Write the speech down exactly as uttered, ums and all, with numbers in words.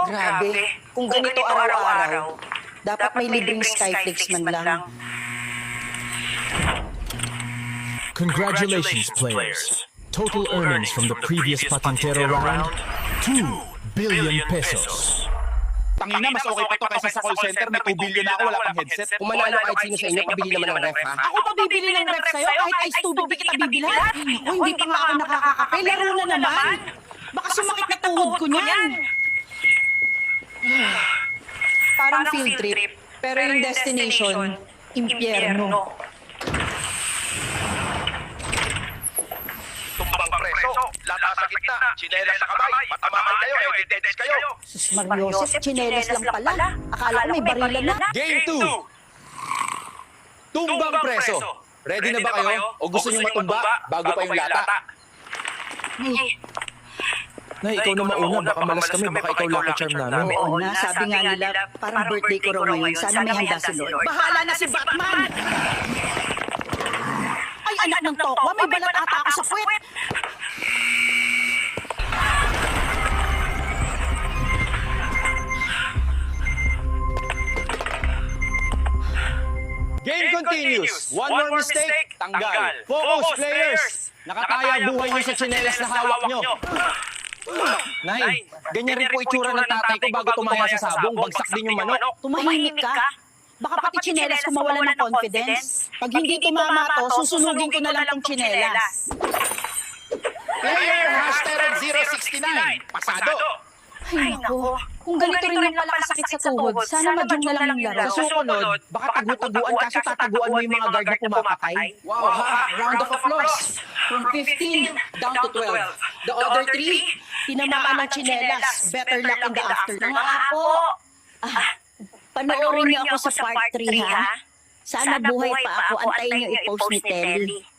Grabe. Kung ganito araw-araw, dapat may libreng Skyflix man lang. Congratulations, players. Total earnings from the previous Patintero round, two billion pesos. Tangina, mas okay pa to kaysa sa call center. May two billion na ako, wala pang headset. Kung manalo kahit sino sa inyo, pabili naman ng ref, ha? Ako pa bibili ng ref sa'yo kahit ice tubig di kita bibilhan. Ako, hindi pa nga ako nakakakape. Laro na naman. Baka sumakit na tuhod ko niyan. Parang field trip, pero yung destination, impyerno. Tumbang preso, lata sa gitna, chinelas sa kamay, matamaan kayo, editeds kayo. Sus Mariosep, chinelas lang pala. Akala ko may barilan na. Game two! Tumbang preso! Ready na ba kayo? O gusto nyo matumba bago pa yung lata? Nay, ikaw na mauna. Baka malas kami. Baka ikaw lucky charm namin. Oo na, sabi nga nila, parang birthday ko raw ngayon. Sana may handa si Lord. Bahala na si Batman! Ay, anak ng tokwa, may balat ata ako sa puwet. Game continues! One more mistake, tanggal. Focus, players! Nakataya buhay nyo sa chinelas na hawak nyo. Nay, ganyan rin po itsura ng tatay ko bago tumaya sa sabong. Bagsak din yung manok. Tumahimik ka. Baka pati tsinelas ko mawala ng confidence. Pag hindi tumama to, susunugin ko na lang tong tsinelas. Player hashtag zero six nine, pasado. Ay nako, kung ganito rin yung pala kasakit sa tuhod, sana madyong na lang yung laro. Sa susunod, baka tagu-taguan kaso tataguan mo yung mga guard na pumapatay. Wow, ha? Round of applause. From fifteen down to twelve. The other three, tinamaan ng tsinelas. Better luck in the afternoon. Nga po. Ah, panoorin niyo ako sa part three, ha? Sana buhay pa ako. Antayin niyo i-post ni Telly.